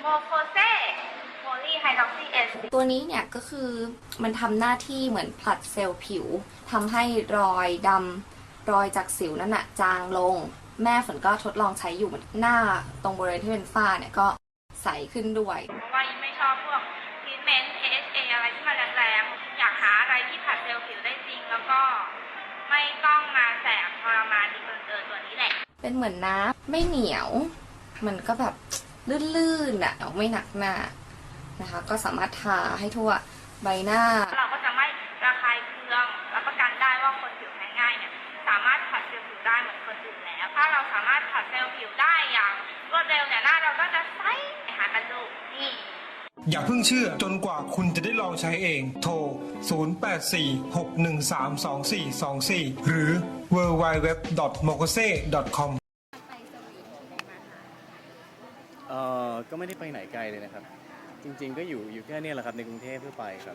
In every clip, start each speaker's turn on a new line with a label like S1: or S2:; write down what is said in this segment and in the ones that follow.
S1: โคเซโพลีไฮดรอกซีเอส
S2: ตัวนี้เนี่ยก็คือมันทำหน้าที่เหมือนผลัดเซลล์ผิวทำให้รอยดำรอยจากสิวนั่นน่ะจางลงแม่ฝนก็ทดลองใช้อยู่หน้าตรงบริเวณที่เป็นฝ้าเนี่ยก็ใสขึ้นด้วย
S1: เพราะว่ายิ่งไม่ชอบพวกทรีทเมนต์ AHA อะไรที่มันแรงๆอยากหาอะไรที่ผัดเซลล์ผิวได้จริงแล้วก็ไม่ต้องมาแสบทรมานดีเกินตัวนี้แหละ
S2: เป็นเหมือนน้ำไม่เหนียวมันก็แบบลื่นๆอ่ะไม่หนักหน้านะคะก็สามารถทาให้ทั่วใบหน้า
S1: เราก็จะไม่ระคายเคืองรับประกันได้ว่าคนผิวแพ้ง่ายเนี่ยสามารถผัดเซลล์ผิวได้เหมือนคนอื่นแล้วถ้าเราสามารถผัดเซลล์ผิวได้อย่างรวดเร็วเนี่ยหน้าเราก็จะใสหากันดูนี่
S3: อย่าเพิ่งเชื่อจนกว่าคุณจะได้ลองใช้เองโทร 0846132424 หรือ www.mokose.com
S4: ก็ไม่ได้ไปไหนไกลเลยนะครับจริงๆก็อยู่แค่นี้แหละครับในกรุงเทพทั่วไปครับ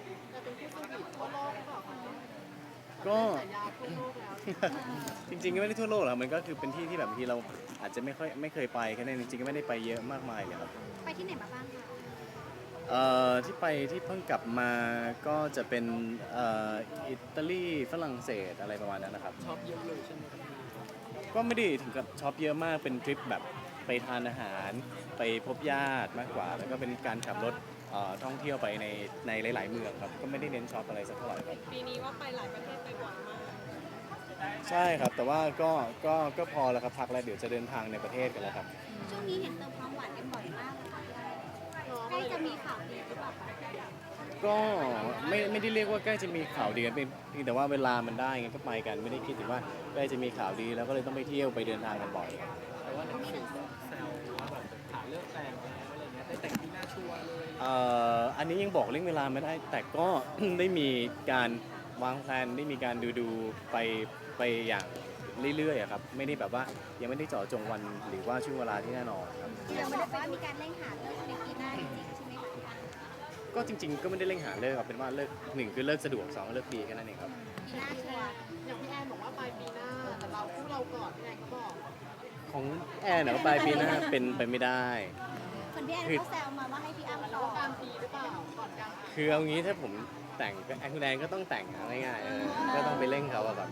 S4: ก็ จริงๆก็ไม่ได้ทั่วโลกหรอกมันก็คือเป็นที่ที่แบบบางทีเราอาจจะไม่เคยไปแค่นั้นจริงๆก็ไม่ได้ไปเยอะมากมายเลยครับ
S5: ไปที่ไหนมาบ้างคะ
S4: ที่ไปที่เพิ่งกลับมาก็จะเป็นอิตาลีฝรั่งเศสอะไรประมาณนั้นนะครับ
S6: ช็อปเยอะเลยใช่ไหมครับ
S4: ก็ไม่ได้ถึงกับช็อปเยอะมากเป็นทริปแบบไปทานอาหารไปพบญาติมากกว่าแล้วก็เป็นการขับรถท่องเที่ยวไปในหลายๆเมืองครับก็ไม่ได้เน้นช็อปอะไรสักเท่าไหร่ครับ
S6: ปีนี้ว่าไปหลายประเทศไปบ่อยมาก
S4: ใช่ครับแต่ว่าก็พอแล้วครับพักแล้วเดี๋ยวจะเดินทางในประเทศกันแล้วครับ
S5: ช่วงนี้เห็นเติมความหวานกันบ่อยมากเลยค่ะใกล้จะมีข่าวดีหรือเปล่าคะ
S4: ก็ไม่ได้เรียกว่าใกล้จะมีข่าวดีกันเป็นเพียงแต่ว่าเวลามันได้ไงก็ไปกันไม่ได้คิดถึงว่าใกล้จะมีข่าวดีแล้วก็เลยต้องไปเที่ยวไปเดินทางกันบ่อย
S6: แต่ว่าในสื่อแซวว่าแบบหาเลิกแต่งแล้วอะไรเงี้ยได้แต่งที่หน้าชัวร์เลย
S4: อันนี้ยังบอกเรื่องเวลาไม่ได้แต่ก็ ได้มีการวางแผนได้มีการดูไปอย่างเรื่อยๆครับไม่ได้แบบว่ายังไม่ได้เจาะจงวันหรือว่าช่วงเวลาที่แน่นอนครับ
S5: ยังไม่ได้ว่ามีการเร่งหาเลิกในปีหน้าจริงๆใช่ไหมคะ
S4: ก็จริงๆก็ไม่ได้เร่งหาเลิกครับเป็นว่าเลิก1คือเลิกสะดวก2เลิกดีแค่นั้นเองครับ
S5: ปีหน้าชัวร์
S6: อย่างพี่แอนบอกว่าปลายปีหน้าแต่เราก่อนพี่แอนก็บอก
S4: ของแอนเนี่ยปลายปีหน้าเป็นไปไม่ได้
S5: คนพี่แอนเขาแซวมาว่าให้พี่อ้ำ
S6: แล้วกลางปีหรือเปล่าก่อนกลาง
S4: คือเอางี้ถ้าผมแต่งคุณแอนก็ต้องแต่งง่ายๆก็ต้องไปเร่งเขาแบบ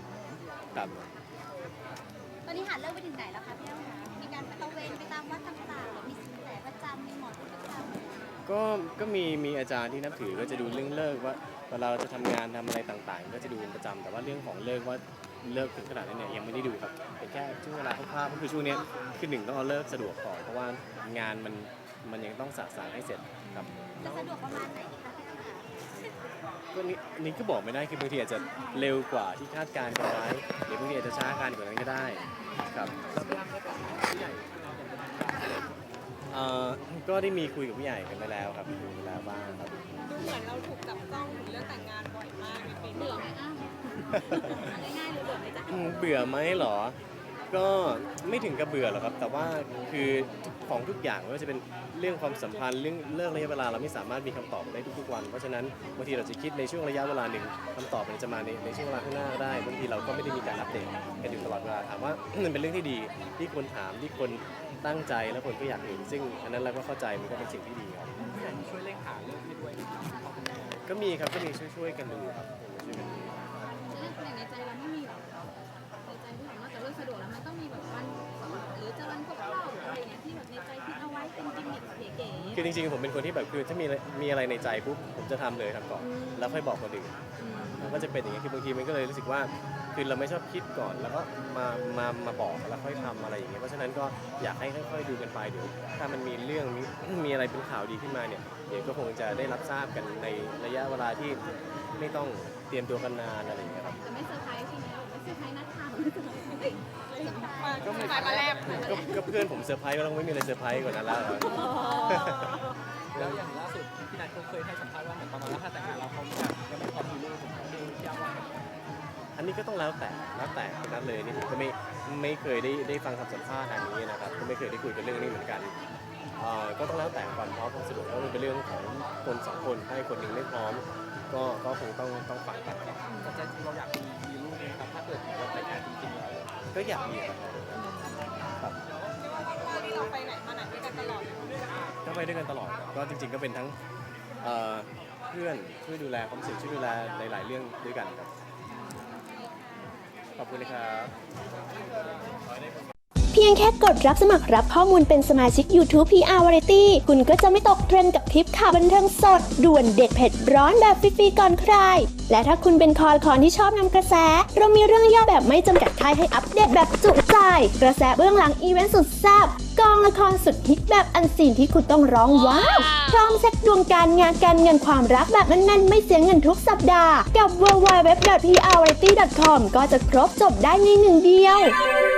S5: ตอนนี้หาเลิกไปถึงไหนแล้วคะพี่อ้ำคะมีการไปตระเวนไปตามวัดต่างๆมีสินแสประจำมีหมอดูประจำ
S4: ก็มีอาจารย์ที่นับถือก็จะดูเรื่องเลิกว่าเวลาเราจะทำงานทำอะไรต่างๆก็จะดูเป็นประจำแต่ว่าเรื่องของเลิกว่าเลิกถึงขนาดนั้นเนี่ยยังไม่ได้ดูครับเป็นแค่ช่วงเวลาคร่าวๆก็คือช่วงนี้คือ1ต้องเอาเลิกสะดวกก่อนเพราะว่างานมันยังต้องสานให้เสร็จครับ
S5: จะสะดวกประมาณไหนดีคะ
S4: ก็นี่ก็บอกไม่ได้คือบางทีอาจจะเร็วกว่าที่คาดการณ์กันไว้หรือบางทีอาจจะช้ากันกว่านั้นก็ได้ครับก็ได้มีคุยกับผู้ใหญ่กันไปแล้วครับคุยไปแล้วบ้างครับ
S6: ดูเหมือนเราถูกจับต้องเรื่องแต่งงานบ่อยมากในปีนี้
S5: ง่ายๆหรือเบื่อไหมจ๊ะ
S4: เบื่อไหมเหรอก็ไม่ถึงกับเบื่อหรอกครับแต่ว่าคือของทุกอย่างไม่ว่าจะเป็นเรื่องความสัมพันธ์เรื่องเลิกระยะเวลาเราไม่สามารถมีคำตอบได้ทุกๆวันเพราะฉะนั้นบางทีเราจะคิดในช่วงระยะเวลาหนึ่งคำตอบมันจะมาในช่วงเวลาข้างหน้าก็ได้บางทีเราก็ไม่ได้มีการอัปเดตกันอยู่ตลอดเวลาถามว่า มันเป็นเรื่องที่ดีที่คนถามที่คนตั้งใจและคนก็อยากเห็นซึ่งอันนั้นเราก็เข้าใจมันก็เป็นสิ่งที่ดีครับ
S6: ช่วยเร่งหาเรื่องให้ด้วย
S4: ก็มีครับก็มีช่วยกันดูครับช่วยกันดู
S5: เรื่องในใจเราไม่มีหรอกในใจที่แบบนอกจากเรื่องสะดวกแล้วมันต้องมีแบบวันหรือจะวันครบรอบหรืออะไรเงี้ยที่แบบในใจคิดเอาไว้เป็นกิมมิคเก๋ๆ
S4: คือจริงๆผมเป็นคนที่แบบคือถ้ามีอะไรในใจปุ๊บผมจะทำเลยทำก่อนแล้วค่อยบอกคนอื่นมันก็จะเป็นอย่างนี้คือบางทีมันก็เลยรู้สึกว่าคือเราไม่ชอบคิดก่อนแล้วก็มาบอกแล้วค่อยทำอะไรอย่างเงี้ยเพราะฉะนั้นก็อยากให้ค่อยๆดูกันไปเดี๋ยวถ้ามันมีเรื่องมีอะไรเป็นข่าวดีขึ้นมาเนี่ยเดี๋ยวก็คงจะได้รับทราบกันในระยะเวลาที่ไม่ต้องเตรียมตัวกันนานอะไรอย่างเงี้ยครับ
S5: แต่ไม่เซอร์ไพรส์ใช่ไหมไม่เซอร์ไพรส์นักข่าว
S6: ก็ไม่มาแลบ
S4: ก็เพื่อนผมเซอร์ไพรส์ก็ต้องไม่มีอะไรเซอร์ไพรส์กว่านั้นแล้ว
S6: แล้วอย่างล่าสุดพี่นัทเขาเคยให้สัมภาษณ์ว่าเหมือนประมาณว่าถ้าแต่งงานเราเขาจะไม่พร้อมมีลูกผมดูที่ว่า
S4: อันนี้ก็ต้องแล้วแต่นั้นเลยนี่ผมก็ไม่เคยได้ฟังคำสัมภาษณ์อันนี้นะครับก็ไม่เคยได้คุยกันเรื่องนี้เหมือนกันก็ต้องแล้วแต่ความพร้อมความสะดวกแล้วมันเป็นเรื่องของคน2คนถ้าคนหนึ่งไม่พร้อมก็คงต้องฟังกัน
S6: แต่ใจจริงเราอยากมีลูกไหมครับถ้าเกิดเราแต่งงานจริงๆ
S4: ก็อยากมีครับ
S6: ที่เราไปไหนมาไหนด้วยกันตลอด
S4: ก็ไปด้วยกันตลอดก็จริงๆก็เป็นทั้งเพื่อนช่วยดูแลความรู้สึกช่วยดูแลหลายๆเรื่องด้วยกันครับขอบคุณนะครับ
S7: เพียงแค่กดรับสมัครรับข้อมูลเป็นสมาชิก YouTube PR Variety คุณก็จะไม่ตกเทรนด์กับคลิปข่าวบันเทิงสดด่วนเด็ดเผ็ดร้อนแบบฟรีๆก่อนใคร และถ้าคุณเป็นคอละครที่ชอบนำกระแส เรามีเรื่องย่อแบบไม่จำกัดค่ายให้อัปเดตแบบจุใจ กระแสเบื้องหลังอีเวนต์สุดแซ่บกองละครสุดฮิตแบบอันซีนที่คุณต้องร้องว้าวพร้อมเช็คดวงการงานการเงินความรักแบบแน่นๆไม่เสียเงินทุกสัปดาห์กับ www.prvariety.com ก็จะครบจบได้ในหนึ่งเดียว